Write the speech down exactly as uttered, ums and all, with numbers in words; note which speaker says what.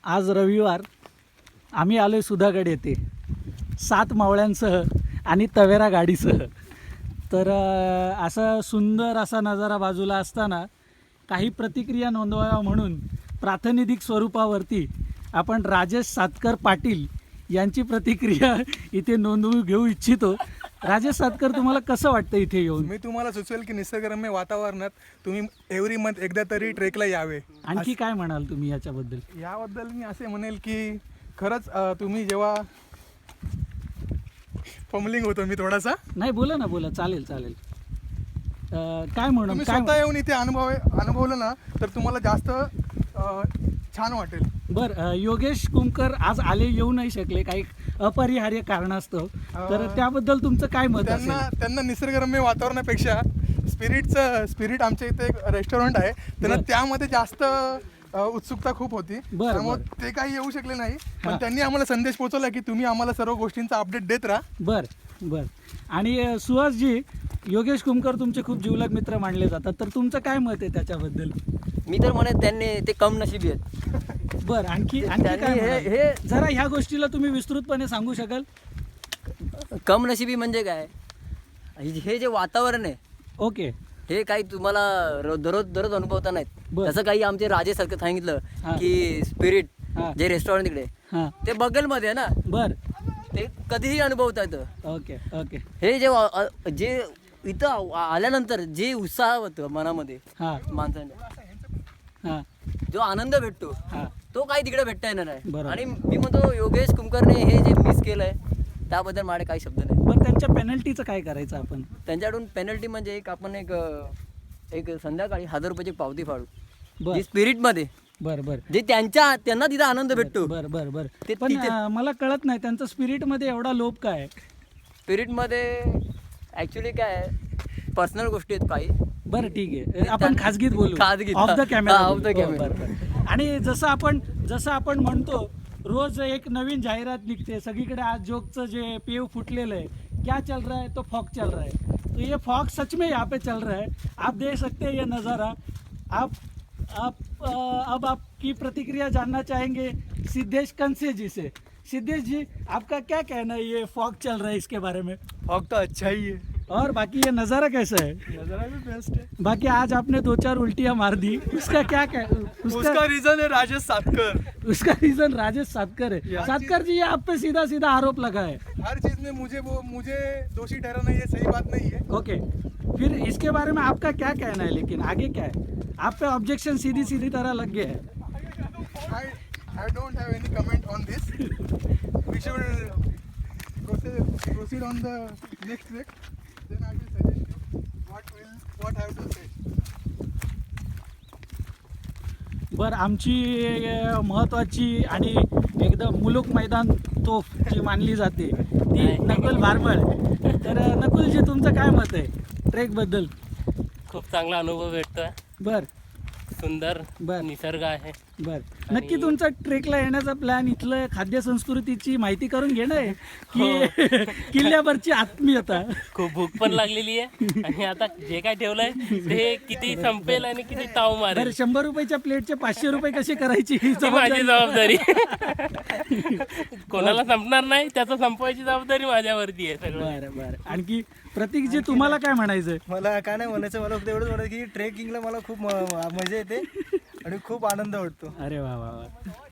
Speaker 1: आज रविवार, आम्ही आलो आहे सुधागड येथे सात मावळ्यांसह आणि तवेरा गाडीसह. तर अ, असा सुंदर असा नजारा बाजूला असताना काही प्रतिक्रिया नोंदवाव्या म्हणून प्रातिनिधिक स्वरूपावरती आपण राजेश सातकर पाटील यांची प्रतिक्रिया इथे नोंदवून घेऊ इच्छितो. राजेश सातकर, तुम्हाला कसं वाटतं इथे येऊन?
Speaker 2: मी तुम्हाला सुचवेल की निसर्गरम्य वातावरणात तुम्ही एव्हरी मंथ एकदा तरी ट्रेकला यावे.
Speaker 1: आणखी काय म्हणाल तुम्ही याच्याबद्दल?
Speaker 2: याबद्दल मी असे म्हणेल की खरंच अ, तुम्ही जेव्हा फमलिंग होतो मी थोडासा,
Speaker 1: नाही, बोला ना, बोला, चालेल चालेल. अ, काय म्हणून
Speaker 2: तुम्ही
Speaker 1: काय
Speaker 2: स्वतः येऊन इथे अनुभव अनुभवलं ना तर तुम्हाला जास्त अ, छान वाटेल.
Speaker 1: बर, अ, योगेश कुमकर आज आले येऊ नाही शकले काही अपरिहार्य कारणास्तव, तर
Speaker 2: अ,
Speaker 1: त्याबद्दल तुमचं काय मत
Speaker 2: त्यांना
Speaker 1: असेल?
Speaker 2: त्यांना निसर्गरम्य वातावरणापेक्षा स्पिरिटचं स्पिरिट आमच्या इथे एक रेस्टॉरंट आहे, त्यांना
Speaker 1: बरं.
Speaker 2: त्यामध्ये जास्त अ, उत्सुकता खूप होती.
Speaker 1: बरं,
Speaker 2: त्यामुळे
Speaker 1: बरं.
Speaker 2: ते काही येऊ शकले नाही,
Speaker 1: हां.
Speaker 2: पण त्यांनी आम्हाला संदेश पोहोचवला की तुम्ही आम्हाला सर्व गोष्टींचा अपडेट देत राहा.
Speaker 1: बर बर. आणि अ, सुहासजी, योगेश कुमकर तुमचे खूप जिवलग मित्र मानले जातात, तर तुमचं काय मत आहे त्याच्याबद्दल?
Speaker 3: मी तर म्हणत त्यांनी ते कम नशिबी आहेत.
Speaker 1: बर, आणखी आणखी काय
Speaker 3: त्यांनी हे
Speaker 1: म्हणाल?
Speaker 3: हे
Speaker 1: जरा ह्या गोष्टीला तुम्ही विस्तृतपणे सांगू शकाल?
Speaker 3: कम नशिबी म्हणजे काय, हे हे जे वातावरण आहे
Speaker 1: ओके.
Speaker 3: हे काही तुम्हाला रो- दररोज दररोज अनुभवता नाहीत.
Speaker 1: बरं.
Speaker 3: तसं काही आमचे राजे सारखं सांगितलं
Speaker 1: हां.
Speaker 3: की स्पिरिट
Speaker 1: हां.
Speaker 3: जे रेस्टॉरंट तिकडे
Speaker 1: हां.
Speaker 3: ते बगलमध्ये आहे ना,
Speaker 1: बर.
Speaker 3: ते कधीही अनुभवता येतं.
Speaker 1: Okay okay.
Speaker 3: हे जे वा- अ- जे इथं आ- आल्यानंतर जे उत्साह होतं मनामध्ये
Speaker 1: हां
Speaker 3: माणसाने,
Speaker 1: हां
Speaker 3: जो आनंद भेटतो
Speaker 1: हां.
Speaker 3: तो काही तिकडे भेटता येणार आहे.
Speaker 1: बरोबर.
Speaker 3: आणि मी म्हणतो योगेश कुमकरने हे जे मिस केलंय त्याबद्दल माझे काही शब्द नाही.
Speaker 1: पण त्यांच्या पेनल्टीचं काय करायचं आपण?
Speaker 3: त्यांच्याकडून पेनल्टी म्हणजे एक आपण एक अ, एक संध्याकाळी हजार रुपयाची पावती फाडू,
Speaker 1: बर
Speaker 3: जी स्पिरिटमध्ये
Speaker 1: बर बर
Speaker 3: जे त्यांच्या त्यांना तिथं आनंद भेटतो.
Speaker 1: बर बर बर.
Speaker 3: ते
Speaker 1: पण
Speaker 3: तिथे-
Speaker 1: अं, मला कळत नाही त्यांचं स्पिरिट मध्ये एवढा लोभ काय आहे?
Speaker 3: स्पिरिटमध्ये ॲक्च्युली काय पर्सनल गोष्टी आहेत काही.
Speaker 1: बरं, ठीक आहे,
Speaker 3: ते
Speaker 1: आपण
Speaker 3: त्यांना-
Speaker 1: खाजगीत बोलू,
Speaker 3: खाजगीत,
Speaker 1: ऑफ द
Speaker 3: हा.
Speaker 1: कॅमेरा.
Speaker 3: हा, off the camera.
Speaker 1: आणि जसं आपण जसं आपण म्हणतो रोज एक नवीन जाहिरात निघते सगळीकडे. आज जोकचं जे पेव फुटलेलं आहे, क्या चल रहा है, तो फॉग चल रहा है. तो ये फॉग सच में यहाँ पे चल रहा है, आप देख सकते हैं ये नज़ारा. आप आप अ, अब आपकी प्रतिक्रिया जानना चाहेंगे सिद्धेश कंसे जी से. सिद्धेश जी, आपका क्या कहना है ये फॉग चल रहा है इसके बारे में?
Speaker 2: फॉग तो अच्छा ही है,
Speaker 1: और बाकी ये नज़ारा कैसा है?
Speaker 2: नजारा भी बेस्ट है.
Speaker 1: बाकी आज आपने दो चार उल्टियां मार दी, उसका क्या कह उसका
Speaker 2: रीजन है राजेश सातकर.
Speaker 1: उसका रीजन राजेश सातकर है.
Speaker 2: या-
Speaker 1: सातकर जी, ये आप पे सीधा सीधा आरोप लगा है.
Speaker 2: हर चीज में मुझे वो मुझे दोषी ठहराना ये सही बात नहीं है.
Speaker 1: ओके, फिर इसके बारे में आपका क्या कहना है? लेकिन आगे क्या है? आप पे ऑब्जेक्शन सीधी सीधी तरह लग गया है.
Speaker 2: I I don't have any comment on this. We should proceed proceed on the next week. Then I will suggest you what will what I have to say.
Speaker 1: बर, आमची अ, महत्त्वाची आणि एकदम मुलुक मैदान तोफ जी मानली जाते ती नकुल भारबळ. तर अ, नकुलजी, तुमचं काय मत आहे ट्रेकबद्दल?
Speaker 4: खूप चांगला अनुभव भेटतोय.
Speaker 1: बर
Speaker 4: सुंदर
Speaker 1: बर
Speaker 4: निसर्ग आहे.
Speaker 1: बर. नक्की तुमचा ट्रेकला येण्याचा प्लॅन इथलं खाद्य संस्कृतीची माहिती करून घेणं आहे की किल्ल्यावरची आत्मीयता?
Speaker 4: खूप भूक पण लागलेली आहे आणि आता जे काय ठेवलंय ते किती संपेल आणि किती ताव
Speaker 1: बरं,
Speaker 4: मारेल
Speaker 1: शंभर रुपयाच्या प्लेटचे पाचशे रुपये कशी करायची ही
Speaker 4: ती माझी
Speaker 1: जबाबदारी.
Speaker 4: जबाबदारी. कोणाला संपणार नाही, त्याचं संपवायची जबाबदारी माझ्यावरती आहे सगळं.
Speaker 1: बरं बरं. आणखी प्रतीकजी, तुम्हाला काय म्हणायचं?
Speaker 5: मला काय नाही म्हणायचं, मला फक्त एवढंच म्हणायचं की ट्रेकिंगला मला खूप म- म- मजा येते आणि खूप आनंद वाटतो.
Speaker 1: अरे वा वा वा.